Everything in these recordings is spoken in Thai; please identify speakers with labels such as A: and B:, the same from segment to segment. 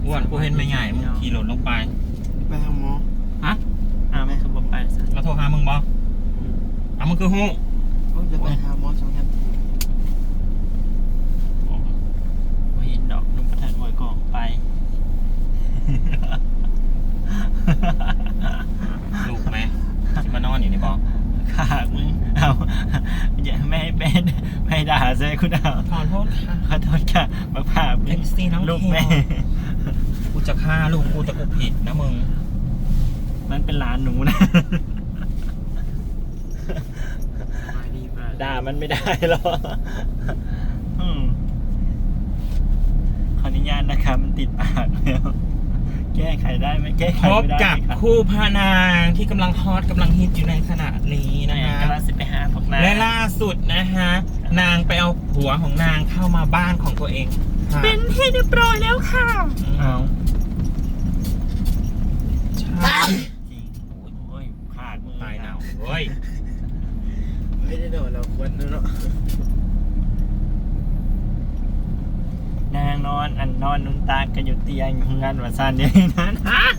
A: อ้วนกูเห็นไม่ง่ายมึงขี่รถลงไป
B: ไปทางหมอ
A: ฮะ
C: ไม่คือบอกไปซะ
A: เราโทรหามึงบอกมึงคือฮู้
B: โอ้ยจะไปหาหมอ2 นาที
C: ไม่เห็นดอกนุ่มประทัดมวยกองไป
A: ลูกไหมที่มานอนอยู่ในบอก
C: ขากมึงเอาอย่าไม่ให้เป็นไม่ด่าเลยคุณเอา
A: ขอโทษค่ะ
C: ขอโทษค่ะมาผ่ามึ
A: เอ็
C: ง
A: มซีน้อง
C: ลูก
A: เท
C: แม่
A: กูจะฆ่าลูกกูแต่กูผิดนะมึง
C: มันเป็นหลานหนูนะ
B: มาดีมาก
C: ด่ามันไม่ได้หรอกขออนุญาตนะครับมันติดปากแล้วแก้ไขได้ไหมแก้ไข
A: พบ
C: ไม่ได้
A: กับ
C: ครับ
A: คู่พานางที่กำลังฮอตกำลังฮิตอยู่ในขณะนี้นะ
C: นะ
A: ฮะ
C: กำลังสิไปหาพวกนาย
A: และล่าสุดนะฮะนางไปเอาผัวของนางเข้ามาบ้านของตัวเองค่ะ
C: เป็นที่เรียบร้อยแล้วค่ะเอา
A: ใช่
C: จริงโอ้ยขาดมือ
A: ตายหนาวเว้ย
B: ไม่ได้โดนเราควรเนาะ
C: นางนอนนอนนุนตากันอยู่เตียงงานวันซันเนี่ยนั้นฮะ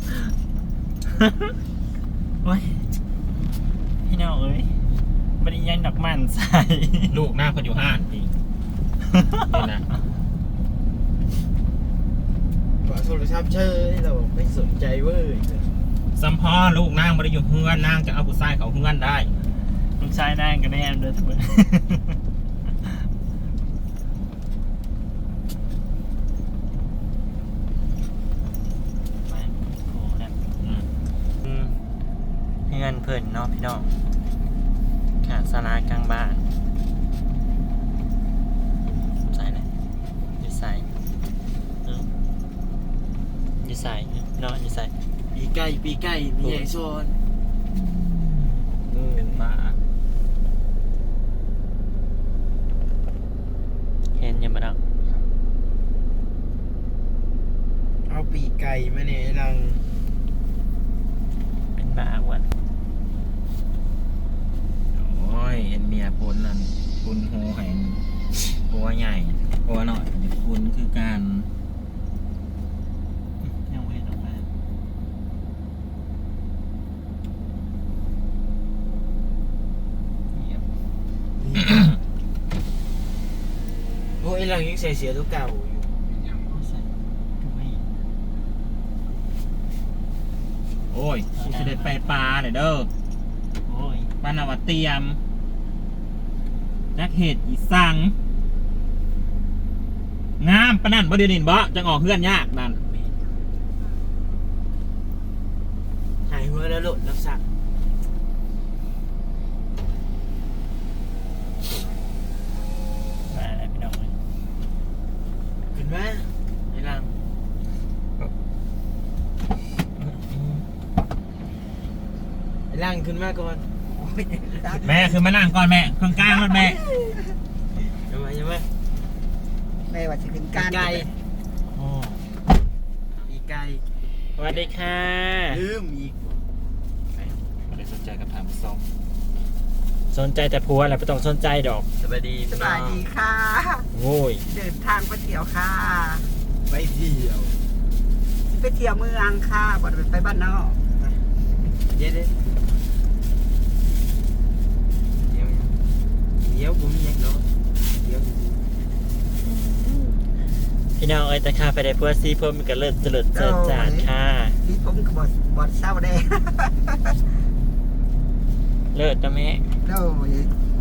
C: โอ้ยพี่น้องเอ้ยบริยังดอกมันใส่
A: ลูกหน้าคนอยู่ห้านพี่นี่นะ
B: ขอโทรศัพท์เชยเราไม่สนใจเว้ย
A: สัมพ่อลูกนางไม่ได้อยู่เฮือนนางจะเอาผู้ชายเขาเฮือนได้
C: ลูกชายนั่งกันแน่เดินไปเงินเพิ่นเนาะพี่น้องขาดสลากลางบ้านใส่เลยอยู่ใส่อยู่ใส่เนาะอยู่ใส่
B: ปีไก่มีใหญ่โซน
A: เป็นหมา
C: เห็นยังบ่ดัง
B: เอาปีไก่มาเนี่ยรัง
C: เป็นบ้าอ้วน
A: โอ้ยเอ็นเมียพ้นนั่นคุณโหแห่งตัวใหญ่ตัวหน่อยคุณคือการ
C: ยังไม่เห็นออกมาเงียบ
B: โอ้ยรังยังใส่เสียตัวเก่าอยู่
C: ไม่ใส่ดูไม่เห็น
A: โอ้ยกูจะได้ไปปลาเลยเด้อ
C: โอ้ย
A: บ้านนาวาเตรียมนักเหตุอีสังงามปะนั่นบ่เดี๋ยวนี้บ่จังออกเฮือนยากนั่น
B: หายหัวแล้วหลุดแล้วสัก
C: มาแล้วพี่น้องเลย
B: ขึ้นมาไอ้รังไอ้รังขึ้นมาก่อน
A: แม่คือมานั่งก่อนแม่เครื่องกลางรถแม่
B: ยังไง
D: แม่ว่าสิเป็น
B: ปี
D: การ
B: ไก่
C: โอ้
B: ปีไก่
C: สวัสดีค่ะ
B: ลืมอีก
A: ไม่ได้สนใจกับทางส้ม
C: สนใจแต่ผัวแหละไม่ต้องสนใจดอก
B: สบายดี
D: สบายดีค่ะ
C: โว้ย
D: เดินทางไปเที่ยวค่ะ
B: ไปเที่ยว
D: ไปเที่ยวเมืองค่ะบ่ได้ไปบ้านนอก
B: เดี๋ยวผมยังเนาะเดี๋ยว
C: พี่น้องเอ้ยแต่ข้าไปได้เพื่อซีเพิ่มมันก็เลิศเจริญเจิดจานค่ะ
D: พี่ผมก็บ่เศร้าแด้
C: เลิศนะแม่
D: โอ้ย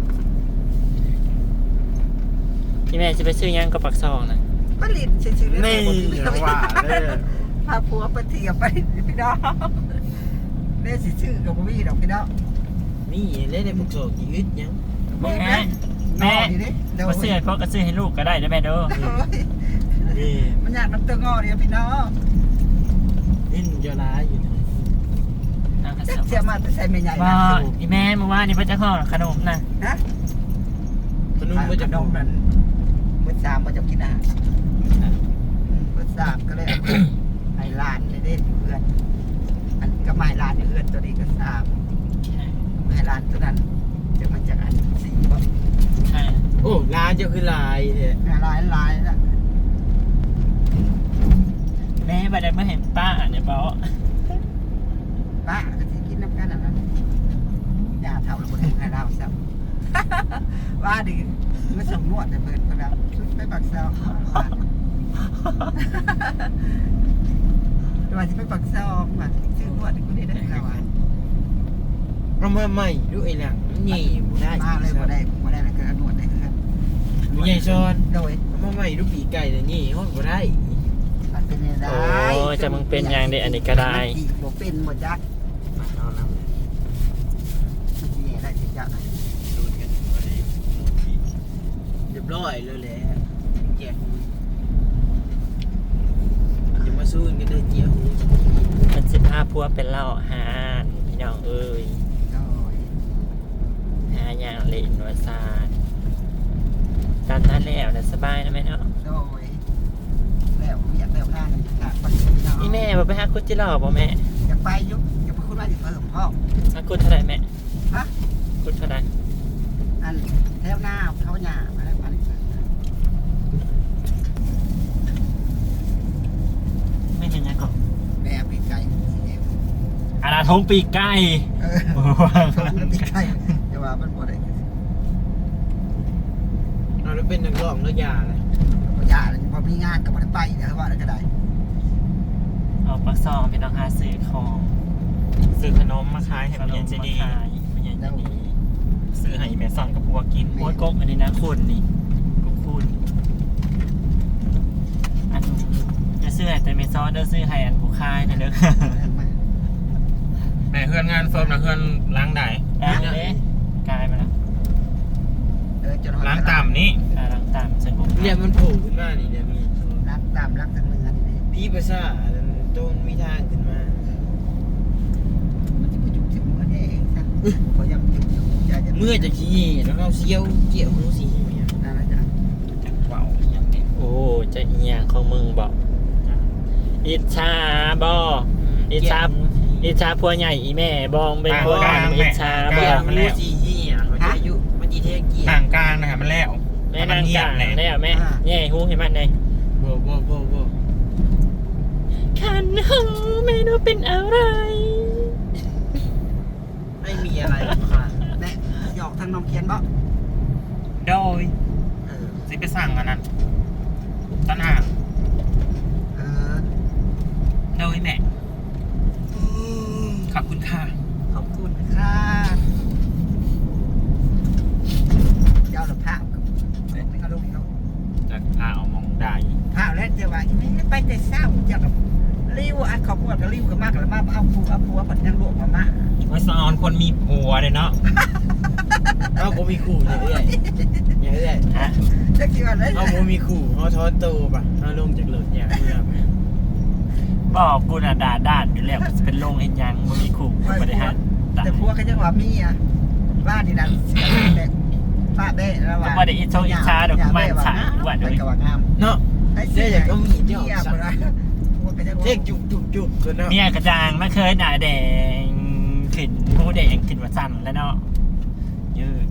C: พี่แม่จะไปซื้อยังกับปักซองนะ
D: ผลิตชื่อๆ
B: นี่ว่าเลย
D: พาผัวไปเที่ยวไปพี่น้องแม่สิชื่อกับบ่มีดอกพี่น้อง
B: นี่เล่นในพวกโซ่กี่อึดยัง
C: แม่
D: แม่อยู่ดิเดี๋ยว
C: มาซื้อให้พ่อก็ซื้อให้ลูกก็ได้นะแม่เด้อ
D: โอ้ย
B: นี่
D: มันอยากน้ำเตืองอเนี่ยพี่น้อง
B: นี่เจ้าร้ายอยู่
C: เอากระ
D: จะ
C: สอบ
D: เสียมาแต่ใส่ไม่ใหญ่
C: ว่า
D: นะ
C: อีแม่เมื่อวานนี่พระเจ้าข้อขนมนะ
D: ฮะ
B: ขนมมา
D: ข
B: จาก
D: นมนั่นมื้อสามมาจะกินอาหารมื้อสามก็เลยเอาให้หลานได้เด้อยู่เพื่อนอันก็ไม่หลานอยู่เพื่อนตัวนี้ก็สามให้หลานตัวนั้นจะมาจากอันสี่บ่
C: ใช่
B: โอ้ร้านเจ้าคือลายเนี่ย
D: หลายนะ
C: แม่บัดได้มาเห็นป้าเนี่ยบอก
D: ป้าก็สิกินน้ำกันนั่นอย่าเท่าแล้วบ่ได้ให้เราซับว่าดิมาส่งนวดให้เพิ่นเพิ่นแล้วไปปักเซาว่าสิไปปักเซามาชื่อนวดกูได้แล้วอ่ะ
B: เอามาใหม่ดูไอ้หลังมันใหญ่บ่ได้
D: มาเลยบ่ได้แล้วก็นวดได้คือกัน
B: บ่ใหญ่ซ้อน
D: โดย
B: เอามาใหม่ดูปีไก่เนี่ยใหญ่ฮอดบ่ได้
D: มันเป็นได้
C: โอ้จะมึงเป็นอย่างเดีอันนี้ก็ได้
D: บ่เป็นบ่จัก
B: มาเอาน้ำ
D: มันสิได้สิจัก
B: ดูกันพอดีเรียบร้อยเลยแหละแจกอย่ามาสู้กันเลยเจียวหู
C: มันสิพาพัวเป็นเหล่าหานพี่น้องเอ้ย
D: โดย
C: หาอย่างเล่นวาซานตามนั้นแล้วแต่สบายนะแม่เนาะ
D: โดยแล้วอยากแล้วหน้ากันค่ะปัจจุบัน
C: นี่แม่บอกไปหาคุดจิหล่อบ่แม่
D: อยากไปยุกอยากไปคุณว่าจะเพิ่มพ่อ
C: หาคุดเท่าไหรแม่
D: ฮะ
C: คุดเท่าไหร
D: อันแถวหน้าเขาหน้ามาแล้วมาเลย
C: ไม่เห็นยังก่อน
D: แม่ปีกไก่
C: อาณาทงปีกไก่
D: ชมปีกไก่แต่ว่ามันบ่ได้
B: เอาแล้วเป็นนักร้องแล้วยาเลย
D: บ่ยาเลยพอมีงานก็บ่ได้ไปเดี๋ยวว่าแล้วก็ได้
C: เอาปักซองเป็นราคาซื้อของซื้อขนมมาขายให้มันยังจะดีมันยังจะดีซื้อให้แม่ซอนกับพัวกินโอ้ยกบอันนี้นะคุณนี่กุ๊กคุณอันจะซื้อให้แต่แม่ซอนเด้อซื้อให้อันผู้ขายนะเด้อ
A: แม่เพื่อนงานเฟิร์มนะเพื่อนล้างได้
C: ได้เลยกลายมาแล้ว
A: ล้างต่ำนี่
C: กลายลังตามสงบ
B: เนี่ยมันโผล่ขึ้นมานี่เดี๋ยวมี
D: รักตามรักทางเนื้อนี่
B: พี่ภาษาต้นมีทางขึ้นมา
D: มันจะไปจุกถึงเมื่อเองซะพอยังจุกอยู่ใจจะ
B: เมื่อจะขี้แล้วเราเซียวเกี่ยวหูสีเมีย
D: นั่นแหละจ้ะ
A: จักเว้าอย่างนี้
C: โอ้จะเอียงของมึงบอกอิจฉาบออิจฉาพัวใหญ่อีแม่บองเป็นพัวกลางอิจฉาบ
B: เกี่
C: อ
B: ยวหูสีเหี้ยมันจะอายุมันจีเทเกี่ยว
A: ต่างกลางนะครับมันแล้ว
C: แม่นาง
A: เงีย
C: กา
A: บ
C: ง
A: เลย
C: ได้แม่แย่หูเห็นมันเลย
B: โบ่บ่บ่บ่
C: ขันหูไม่รู้เป็นอะไร
B: ไม่มีอะไรค่ะ
D: แน่หยอกทางน้องเขียนบ่
A: โดยสิไปสั่งอันนั้นต้นห่าง
D: เออ
A: โดยแม่ขอบคุณค่ะ
D: ขอบคุณค่ะเจ้าหลับผ้าไม่เอาลงเขา
A: จะพาเอามองได้
D: ผ้าแล้วเจ้าว่าไม่ไปแต่เศร้าเจ้ากับริ้วอันขอบคุณกับริ้วกับมากแล้วมาเอาผัวปัดยังลวกมา
A: ว่าสอนคนมีผัวเลยเนาะ
B: เอาผมมีขู่อย่างเรื่อยอย่างเรื่อย
C: ฮะ
D: จะคิดว่าเลย
B: เอาผมมีขู่เอาทอดโตป่ะเอาลงจากรถอย่างเมื่อ
C: บอกกูน่ะด่าด้านอยู่แล้วจะเป็นโรงเอ็นยังมึงมีขู่บริหาร
D: แต่ผัวก็ยังว่ามีอ่ะบ้านนี่ดันเสียแต่ป้าเบ้แล้วว่า
C: ก็บ่ได้อิจฉาอิจฉาดอกมันขายว่า
D: ไป
C: ด้วย
D: กับว่างาม
B: เนาะ
D: เสียอย่างก็มีเจ้า
B: เรียกจุกจุกจุกกันเนาะ
C: เมียกระจางไม่เคยหนาแดงขึ้นหูแดงขึ้นว่าสั่นแล้วเนาะยืด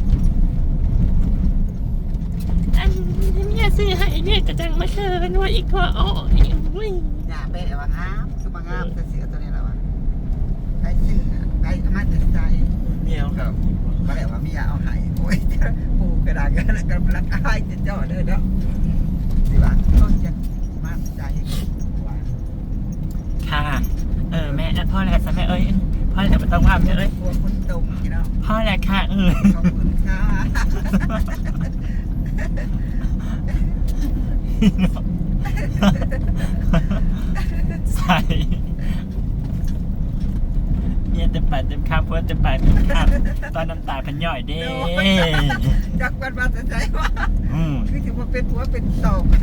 C: อันเมียซื้อให้เมียกระจังไม่เคยว่าอีกพออ๋ออุ้ย
D: อย่าเบ้ว่างามคือว่างามแต่เสียตัวนี้แล้วว่าไปซื้อไปมาถึงใจ
B: เมียครับ
D: ก็เลยว่ามีเอาหายโอ้ยปูกระดาษกันแล้วก็รักอายจะเจ้าเด้อเนาะสิว่าต้นจะมาใจว่า
C: ค่ะแม่พ่อแหละซะแม่เอ้ยพ่อแหละไม่ต้องว่าแม่เอ้ย
D: พวกคนตรงพี่น้อง
C: พ่อแหละค่ะ
D: ขอบคุณค่ะ
C: ใส่เนี่ยเต็มปากเต็มคำเพื่อเต็มปากเต็มคำตอนน้ำตาพันย่อยเด้
D: จักวันมาสนใจว่า
C: อืม
D: คือถือว่าเป็นหัวเป็นต่อไป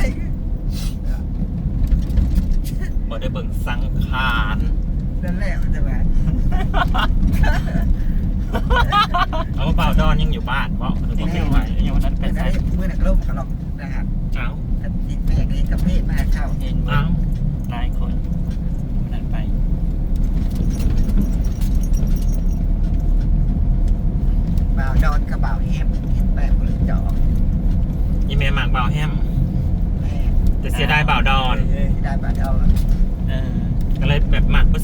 A: บ่ได้เบิ่งสังขาร
D: นั่นแหละใช่ไหม
A: เอาเปล่าดอนยังอยู่บ้านเพราะหรือว่าไม่ไหว
C: อย่างวันนั้นเป็น
D: แต่
C: ไง
D: เมื่อนักล่มกระหลอกนะครับ
A: เอ้า
D: ติดแม่เองกับเพศมาเข้า
C: เห็นเบิ้
A: เอ้าง
C: หลายคนวันนั้นไป
D: บ่าวดอนกับบ่าวแฮมกินแป้งบริจาค
A: อีเมลหมากเบาแฮม
D: แม่
A: แต่เสียดายเบาดอน
D: ที่ได้บ่าวดอน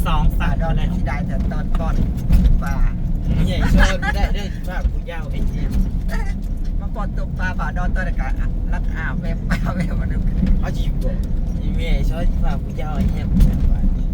C: 2
D: ป่า
C: สัตว์
D: ดอน
C: แล้ว
D: ที่ได้แต่ตอนก่อนป่า
B: ใหญ่ชอนไม่ได้เด้อที่ว่ากูยาวไอ้เนี่ย
D: มาปอดตกปลาป่าดอนตอนกะรักอาบแม่ปลาแม่มาดู
B: เอาจีบบอกอีเมียชอนที่ว่ากูยาวไอ้เนี่ยกูยาวไป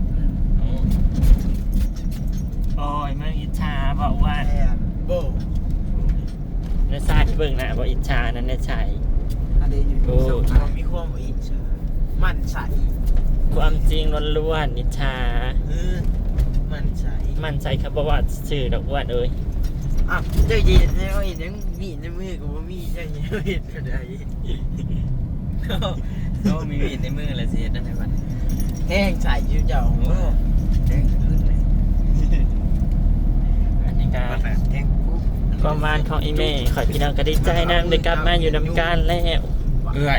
C: โอ้ยมึงอิจฉาบอกว่า
D: แม่
B: โบ
C: ในชายที่เบิ่งนะบอกอิจฉานั้นในชาย
D: อันนี้อยู่
C: โอ้
B: เรามีความอิจฉามันใส
C: ความจริงล้วนๆอิจฉา
B: มันใส
C: มันใจครับบอกว่าสื่อดอกอ้วนเอ้ย
B: อ่ะเจ้าเย็นแล้วเห็นยังมีในมือกูว่ามีเจ้าเย็นเห็นอะไร
A: ก็มีมีดในมือเลยสิเฮ็ดได้ไหมบัด
B: แห้งใสอยู่เจ้าโอ้
D: แดงขึ้นเลย
C: อันนี้ก็
D: แดงปุ๊บ
C: ความหวานของอีเม่ขอพี่น้องก็ได้ใจนำได้กลับมาอยู่นำกันแล้ว
A: เอื้อย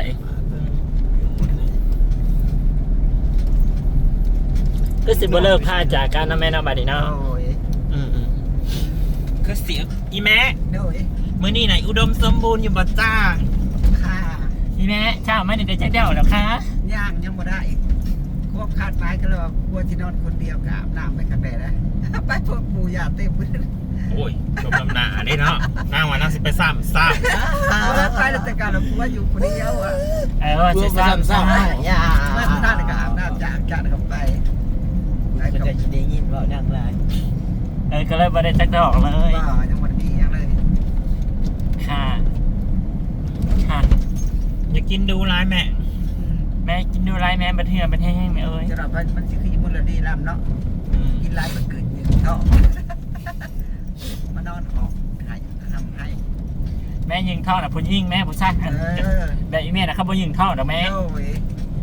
C: ก็สิบ่เลิกพาจากกันนะแม่เนาะบัดนี้เนาะ
D: โอ้ย
C: อืม
A: คือเสียงอีแม่
D: โอ้ย
A: มื้อนี้ไหนอุดมสมบูรณ์อยู่บ่จ้า
D: ค่า
C: อีแม่เช้าไม่ได้จักเดียวหรอกคะ
D: ย่างยังบ่ได้อีกควบคาดหมายกันเลยว่ากลัวที่นอนคนเดียวกับอาบน้ำไปกันแดดนะไปพวกปูยาเต็มไปเลย
A: โอ้ยชมลำหนาได้เนาะนางว่านางสิไปซ้ำ
D: แล้วไปแล้วแต่การเรากลัวอยู่คนเดียวอ่ะ
C: ว่า
B: กู
C: สิ
B: มา
C: ซ้ำ
B: ซ้ำ
C: ซ้
B: ๆอย่า
D: ไม่ได้ในการอาบน้ำจากเข้าไป
B: ก็จะได้ยินว่าดังไร
C: ก็เลยบ่ได้จักดอกเลย
D: ก็ยังวันดียังเลย
C: ค่ะค่ะ
A: อย่ากินดูร้ายแม่
C: แม่กินดูไรแม่บัดเทื่อบัดแห้งแม่เอ้ย
D: จะรับมันจะคือมันละดีลำเนาะกินไรมันเกิดหนึ่งเท่ามานอนออกให้ทำให้
C: แม่ยิงท่อน่ะผู้ยิงแม่ผู้ชายแบบอีแม่น่ะเขาบ่ยิงท่อดอกแม่
D: โอ้ย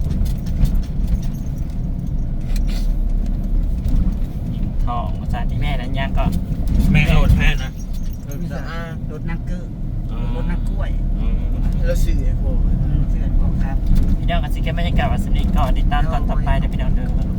C: ยิงท่อผู้ชายอีแม่นั้นยังก็
A: แม่โหลดแพ้นะ
D: มีสะอาดรถนักเกอร์รถนักกล้วย
B: แล้วสื่อไอ้พวก
D: เสื้อของครับ
C: พี่น้องก็สิแค่บรรยากาศวันสนิทก่อนติดตามตอนต่อไปเดี๋ยวพี่น้องเด้อ